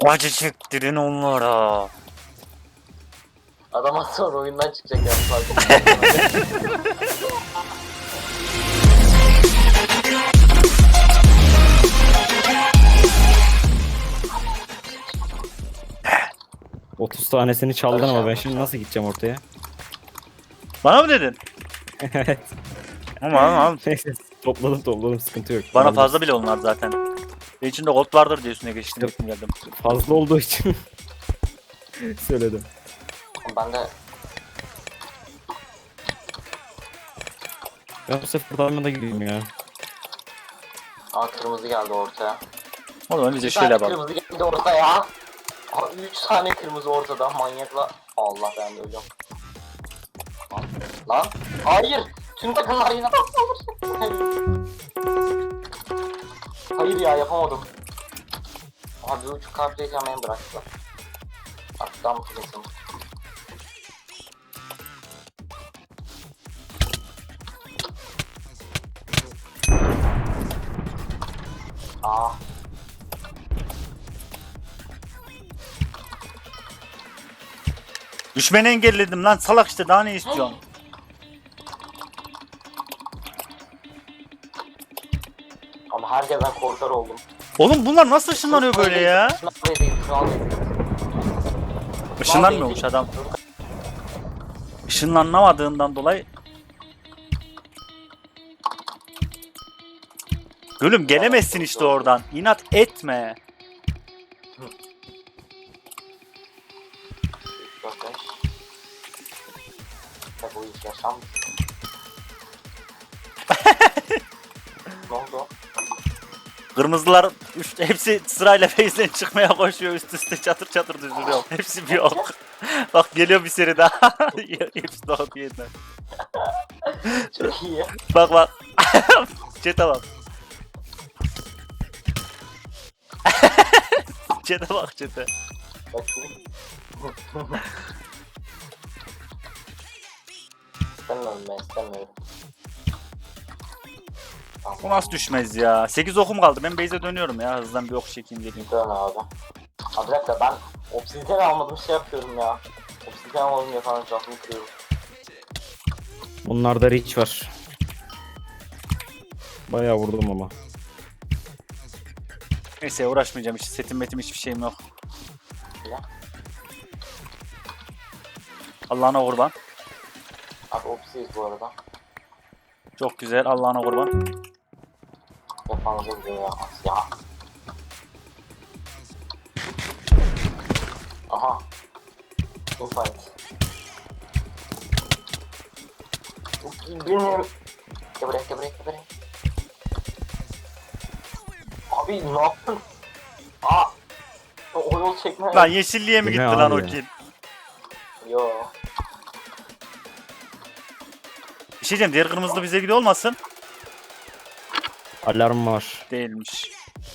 Acı çektirin onlara. Adam az sonra oyundan çıkacak yani farkında. 30 tanesini çaldın ama ben şimdi nasıl gideceğim ortaya? Bana mı dedin? Evet. Ama Neyse topladım sıkıntı yok. bana Alırız. fazla bile onlar zaten. Ve içinde gold vardır diye üstüne geçtim İşte- geldim. Fazla olduğu için söyledim. Ben de Ben bu sefer da gideyim ya. kırmızı geldi ortaya. O zaman biz de Bir şöyle tane yapalım. kırmızı geldi ortaya. 3 tane kırmızı ortada manyakla. Allah ben de ölüyorum. Lan. Hayır. Tüm takımlar yine saldıracak. Hayır ya yapamadım. Abi uçuk kalpleyken beni bıraktılar. Attan mutlusun. Ah. Düşmeni engelledim lan salak işte daha ne istiyorsun? Ama herkesten korkar oldum. Oğlum bunlar nasıl ışınlanıyor böyle ya? Şu an Işınlanmıyormuş adam. Işınlanamadığından dolayı. Gülüm gelemezsin işte oradan. İnat etme. 4, 5. Ya bu iş yaşam. Ne oldu? Kırmızılar hepsi sırayla base'den çıkmaya koşuyor üst üste çatır çatır düzülüyor. Hepsi bir yok. Bak geliyor bir seri daha. Hepsi doğdu yeniden. Çok iyi. Bak bak. Çete bak. Çete bak çete. Bakayım. İstemiyorum ben istemiyorum. Bu nasıl düşmez ya? 8 okum kaldı. Ben base'e dönüyorum ya. Hızdan bir ok çekeyim geleyim. Dön abi. Abi bir dakika ben obsidyen almadım şey yapıyorum ya. Obsidyen almadım ya falan canımı kırıyorum. Bunlarda reach var. Bayağı vurdum ama. Neyse uğraşmayacağım. Hiç setim metim hiçbir şeyim yok. Ya. Allah'ına kurban. Abi obsidiyiz bu arada. Çok güzel. Allah'ına kurban. Yapanızı vuruyor ya. Ya. Aha. Infight. Benim. Gebrek. Abi ne yaptın? Aa. O yol çekme. Lan yeşilliğe mi Bu gitti ne lan abi o ya? kill? Yo. Bir şey diyeceğim. Diğer kırmızılı bize gidiyor olmasın? Alarm var. Değilmiş.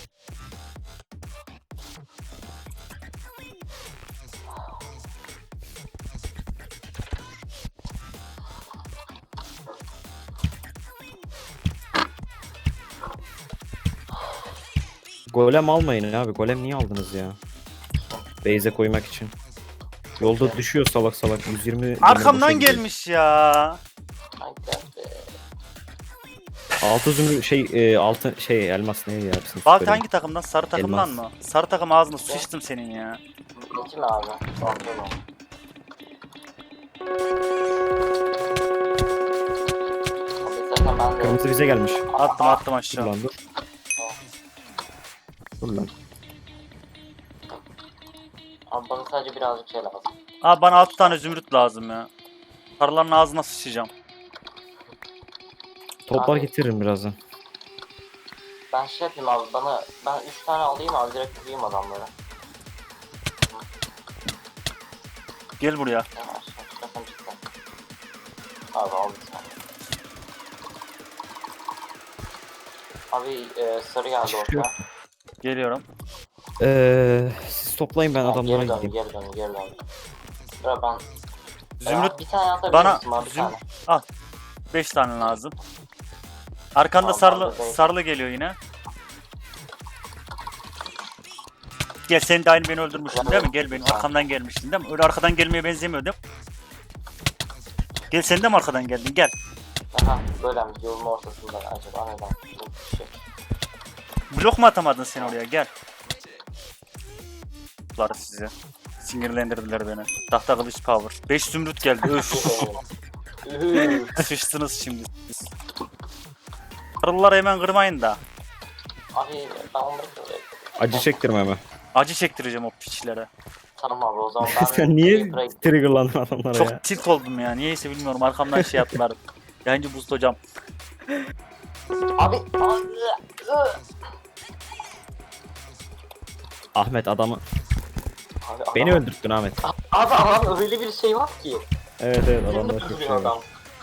Golem almayın abi. Golem niye aldınız ya? Base'e koymak için. Yolda düşüyor salak salak. 120 Arkamdan boşa gidiyor. gelmiş ya. Haydi be. Altı altın elmas ne ya? Bizim Bak süperim. hangi takımdan? Sarı takımdan Elmas. mı? Sarı takım ağzına sıçtım senin ya. Peki mi abi? Pardon o. Abi zaten ben de Kırmızı bize gelmiş. Attım Dur aşağı. lan dur. Dur lan. Abi bana sadece birazcık şey lazım. Abi bana 6 tane zümrüt lazım ya. Sarıların ağzına sıçacağım. Toplar Abi. getiririm birazdan. Ben şey yapayım abi ben 3 tane alayım abi direkt vurayım adamları. Gel buraya. Yavaş çıkarsam cidden. Abi al bir tane. Abi sarı geldi Hiçbir şey ortaya. Geliyorum. Siz toplayın ben Abi, adamlara geri gideyim. dön. Sıra ben. Zümrüt Bir tane atabilir bana misin abi bir tane? 5 tane lazım. Arkanda Tamam, ben de sarılı geliyor yine. Gel sen de aynı beni öldürmüştün değil mi? Gel benim arkamdan gelmiştin değil mi? Öyle arkadan gelmeye benzemiyor değil mi? Gel sen de mi arkadan geldin? Gel. Aha böyle mi? Yolun ortasında acaba neden? Bir şey. Blok mu atamadın sen oraya? Gel. Bunları size. Sinirlendirdiler beni. Tahta kılıç power. 5 zümrüt geldi. Öf. Sıçtınız şimdi. Arıları hemen kırmayın da. Abi ben onları böyle... Acı çektirme mi? Acı çektireceğim o piçlere. Tamam abi o zaman ben... Sen niye triggerlandın adamlara ya? Çok tilt oldum ya. Niyeyse bilmiyorum. Arkamdan şey yaptılar. Yayıncı boost hocam. Abi... Ahmet adamı... Abi, Beni adam- öldürttün Ahmet. Abi adam öyle bir şey var ki. Evet adamda Adamda çok şey adam. var.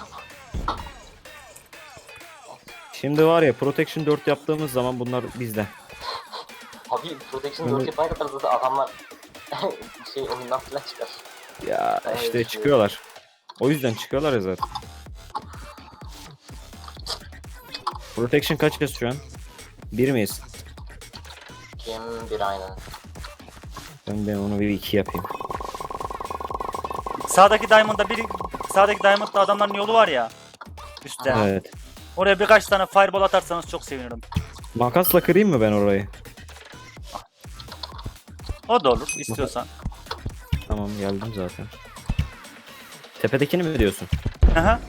Şimdi var ya Protection 4 yaptığımız zaman bunlar bizde. Abi Protection Bunu- 4 yapana kadar zaten adamlar şey oyundan falan çıkar. Ya Ben işte öyle çıkıyorlar. O yüzden çıkıyorlar ya zaten. Protection kaç kez şu an? 1 miyiz? Kim bir aynen. Ben onu bir 2 yapayım. Sağdaki Diamond'da biri... Sağdaki Diamond'da adamların yolu var ya. Üstte. Evet. Oraya birkaç tane fireball atarsanız çok sevinirim. Makasla kırayım mı ben orayı? O da olur istiyorsan. Tamam geldim zaten. Tepedekini mi diyorsun? Aha.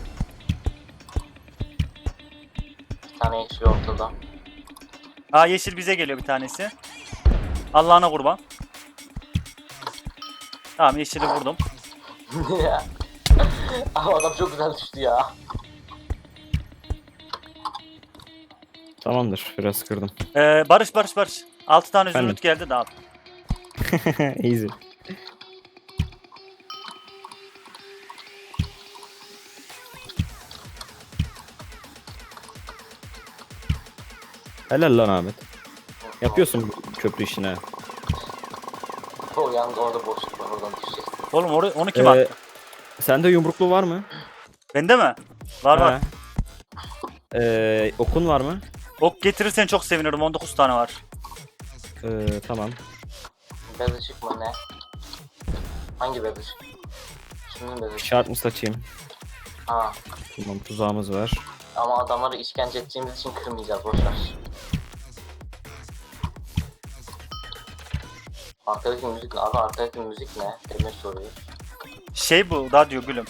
Bir tane yeşil ortada. Aa yeşil bize geliyor bir tanesi. Allah'ına kurban. Tamam yeşili vurdum. Ama adam çok güzel düştü ya. Tamamdır biraz kırdım. Barış. 6 tane Efendim? zümrüt geldi de al. Easy. Helal lan Ahmet. Yapıyorsun bu köprü işini. ha. O yalnız orada boşluk var oradan düşeceksin. Oğlum onu kim Ee, attı? Sende yumruklu var mı? Bende mi? Var. Ha. Okun var mı? Ok getirirsen çok sevinirim. 19 tane var. Tamam. Bez ışık mı ne? Hangi bez ışık? Kimin bez ışık? Şart mı saçayım? Ha. Tamam tuzağımız var. Ama adamları işkence edeceğimiz için kırmayacağız boşver. Arkadaki müzik ne? Abi arkadaki müzik ne? Demir soruyor. Şey bu radyo gülüm.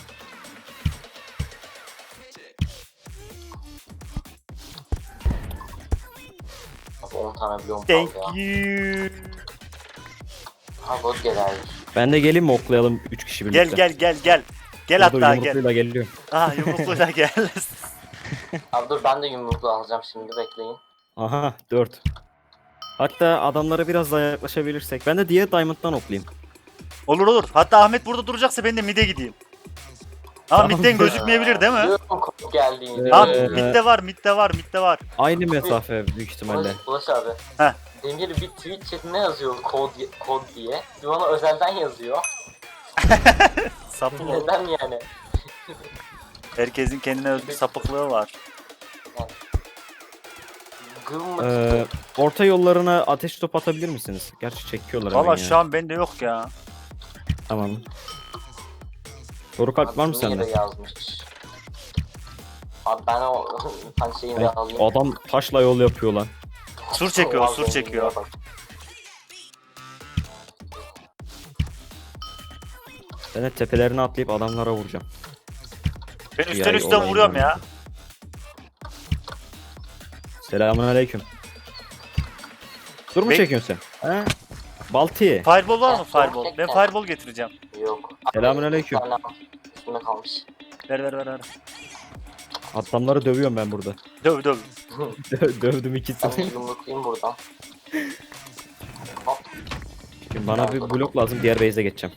Abi 10 tane bloğum Thank kaldı ya. you. Ha bot gelir. Ben de geleyim mi oklayalım 3 kişi birlikte? Gel. Gel Dur, hatta gel. yumrukluyla geliyorum. Aha yumrukluyla gel. Abi dur ben de yumruklu alacağım şimdi bekleyin. Aha 4. Hatta adamlara biraz daha yaklaşabilirsek. Ben de diğer Diamond'dan oklayayım. Olur. Hatta Ahmet burada duracaksa ben de mid'e gideyim. Ama Tamam. mid'den gözükmeyebilir değil mi? Biliyorum kod geldiğini. Tamam Ee, mid'de var. Aynı mesafe büyük ihtimalle. Ulaş abi. Heh. Demir bir tweet chatine yazıyor kod diye. Bir bana özelden yazıyor. Sapık ol. Neden yani? Herkesin kendine özgü sapıklığı var. Gılmak Orta yollarına ateş top atabilir misiniz? Gerçi çekiyorlar hemen Valla ya. şu an bende yok ya. Tamam. Soru kalp var mı sende? yazmış. Abi ben o hani şeyini Ay, alayım. adam taşla yol yapıyor lan. Sur çekiyor, Vallahi sur çekiyor. bak. Ben de tepelerine atlayıp adamlara vuracağım. Ben üstten Yay üstten olayım vuruyorum ben. ya. Selamünaleyküm. Dur mu Be- çekiyorsun sen? He? Balti. Fireball var mı Ben fireball? Ben çekeceğim. fireball getireceğim. Yok. Selamünaleyküm. Bir tane üstünde kalmış. Ver. Adamları dövüyorum ben burada. Döv. Dövdüm Ben de ikisini. yumrukluyum buradan. Hop. Şimdi bana bir blok lazım, diğer base'e geçeceğim.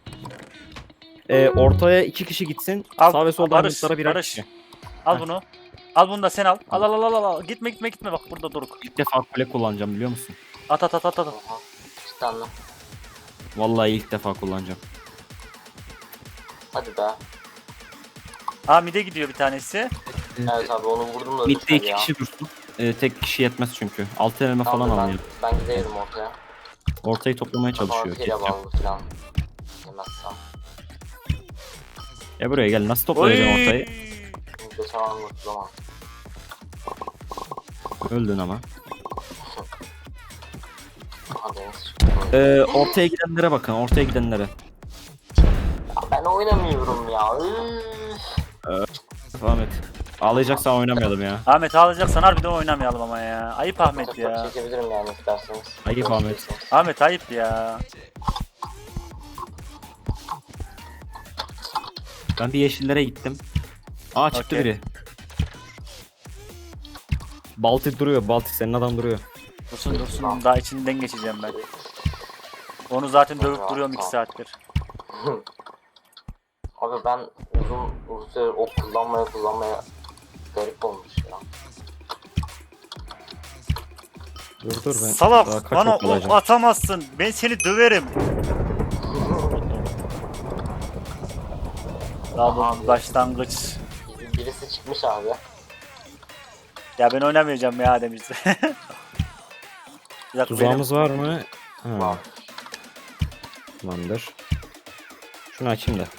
Ortaya 2 kişi gitsin. Al, Sağ ve soldan Barış, mutlara birer Barış. kişi. Al Heh. bunu. Al bunu da sen al. Al. Gitme bak burada duruk. İlk defa kule kullanacağım biliyor musun? At. Oha. Cidden mi? Vallahi ilk defa kullanacağım. Hadi be. Aa mid'e gidiyor bir tanesi. Evet abi onu vurdum da Mid'de düşmedi 2 ya. kişi dursun. Tek kişi yetmez çünkü. 6 elime Tamam, falan ben, alınıyor. ben giderim ortaya. Ortayı toplamaya çalışıyor. Hile Ketçap. bağlı falan. Yemezsem. Ya buraya gel. Nasıl toplayacaksın ortayı? Geçen an mutlamam. Öldün ama. Aha deniz çıktı. Ortaya gidenlere bakın. Ortaya gidenlere. Ya ben oynamıyorum ya. Ahmet. Ağlayacaksan oynamayalım ya. Ahmet ağlayacaksan harbiden oynamayalım ama ya. Ayıp Ahmet ya. Çekebilirim yani isterseniz. Ayıp Ahmet. Ahmet ayıp ya. Ben bir yeşillere gittim. Aa çıktı Okey. biri. Balti duruyor. Balti senin adam duruyor. Dursun dursun daha içinden geçeceğim ben. Onu zaten dövüp duruyorum 2 saattir. Abi ben uzun süre ok kullanmaya garip olmuş ya. Dur ben. daha Salak kaç bana ok ok alacağım? atamazsın. Ben seni döverim. Daha bu başlangıç. Birisi çıkmış abi. Ya ben oynamayacağım ya demişti. Bir dakika, Tuzağımız var mı? Ha, Var. tamamdır. Şunu açayım da.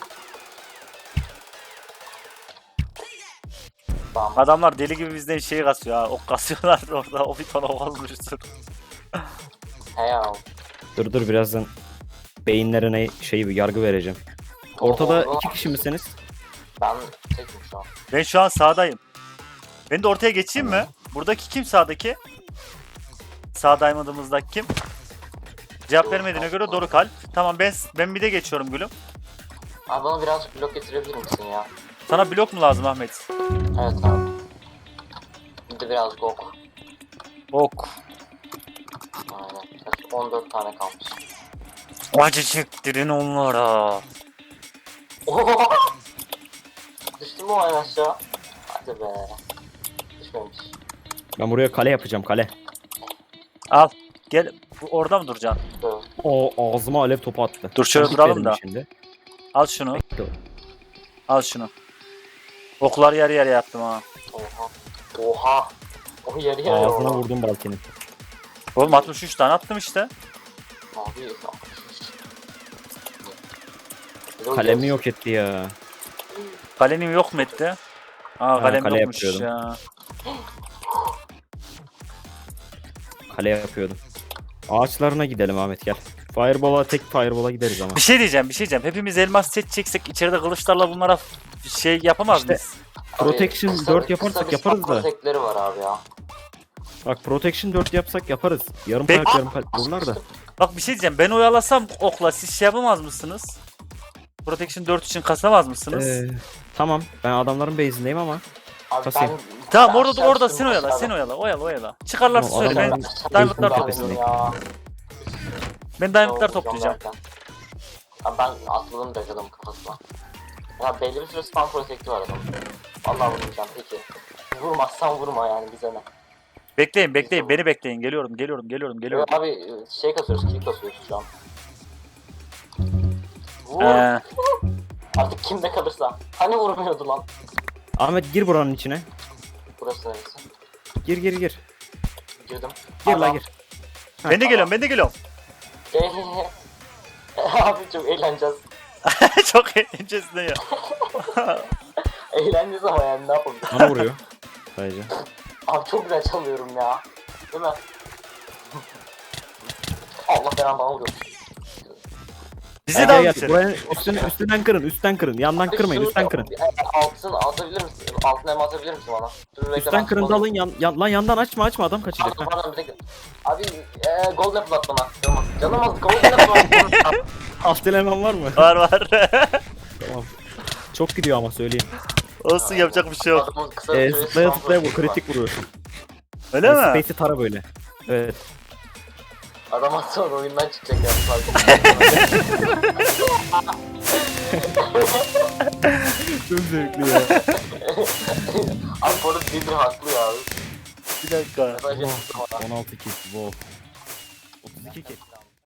Tamam. adamlar deli gibi bizden şey kasıyor ha. Ok kasıyorlar orada. O bir tane ok almıştır. He ya. Dur birazdan beyinlerine bir yargı vereceğim. Ortada O- 2 kişi misiniz? Ben tekim şu an. Ben şu an sağdayım. Ben de ortaya geçeyim mi? Buradaki kim sağdaki? Sağ diamond'ımızdaki kim? Cevap vermediğine göre Doruk Alp. Tamam ben bir de geçiyorum gülüm. Abi bana birazcık blok getirebilir misin ya? Sana blok mu lazım Ahmet? Evet abi. Bir de birazcık ok. Ok. Aynen. Evet, 14 tane kalmış. Acı çektirin onlara. Oho! Düştü mü o en aşağı? Hadi be. Düşmemiş. Ben buraya kale yapacağım kale. Al. Gel. Orada mı duracaksın? Dur. O ağzıma alev topu attı. Dur şöyle Ben duralım gitmedim da. Şimdi. Al şunu. Bekle. Al şunu. Okları yarı yarıya yaptım ha. Oha. Oha. O yarı yarıya Ağzına oldu. vurdum baltinin. Oğlum 63 tane attım işte. Abi. Kalemi yok etti ya. Kalenim yok mu etti? Aa kalem kale yokmuş yapıyordum. ya. Kale yapıyordum. Ağaçlarına gidelim Ahmet gel. Tek fireball'a gideriz ama. Bir şey diyeceğim. Hepimiz elmas set çeksek içeride kılıçlarla bunlara şey yapamaz İşte- mıyız? Protection 4 yaparsak yaparız da. Protekleri var abi ya. Bak Protection 4 yapsak yaparız. Yarım Peki. kalp vururlar da. Bak bir şey diyeceğim. Ben oyalasam okla siz şey yapamaz mısınız? Protection 4 için kasamaz mısınız? Tamam ben adamların base'indeyim ama. Abi Kasayım. Tamam ben orada şaşırdım sen oyala, abi. sen oyala. Çıkarlarsa Tamam, söyle ben adamların diamondlar base'inin toplayacağım. tepesindeyim. Ben diamondlar toplayacağım. Abi ben atladım direkt adamın kafasına. Ya belli bir süre spam protekti var adamın. Vallahi vurmayacağım peki. Vurmazsan vurma yani bize ne. Bekleyin beni bekleyin. Geliyorum. Abi şey kasıyoruz, kill kasıyoruz şu an. Vur. Artık kimde kalırsa. Hani vurmuyordu lan. Ahmet gir buranın içine. Burası neresi? Gir. Girdim. Gir la Adam- gir. Ben de geliyorum. Abi çok eğleneceğiz. Çok eğlencesine ya. Eğleneceğiz ama yani ne yapalım. Bana vuruyor. Sadece. Abi çok güzel çalıyorum ya. Değil mi? Allah belanı bana vuruyor. Bizi de al içeri. Buranın üstten kırın. Yandan kırmayın, Şunu- üstten kırın. Altını atabilir misin? Altına hem atabilir misin bana? Dur, bekle, Üstten ben kırın da çıkmalıyım. alın. Lan yandan açma adam kaçacak. Pardon, pardon, bir dakika. Abi golden apple at bana. Canım az golden apple at. Alt eleman var mı? Var. Tamam. Çok gidiyor ama söyleyeyim. Olsun yapacak bir şey yok. Adamın kısa bir süresi Zıplaya spam zıplaya vur, protekti var. kritik vuruyorsun. Öyle mi? Space'i tara böyle. Evet. Adam az sonra oyundan çıkacak ya. Çok zevkli ya. Abi bu arada bir haklı ya. Bir dakika. Mesaj yaptım ona. 16 kill. Wow. 32 kill.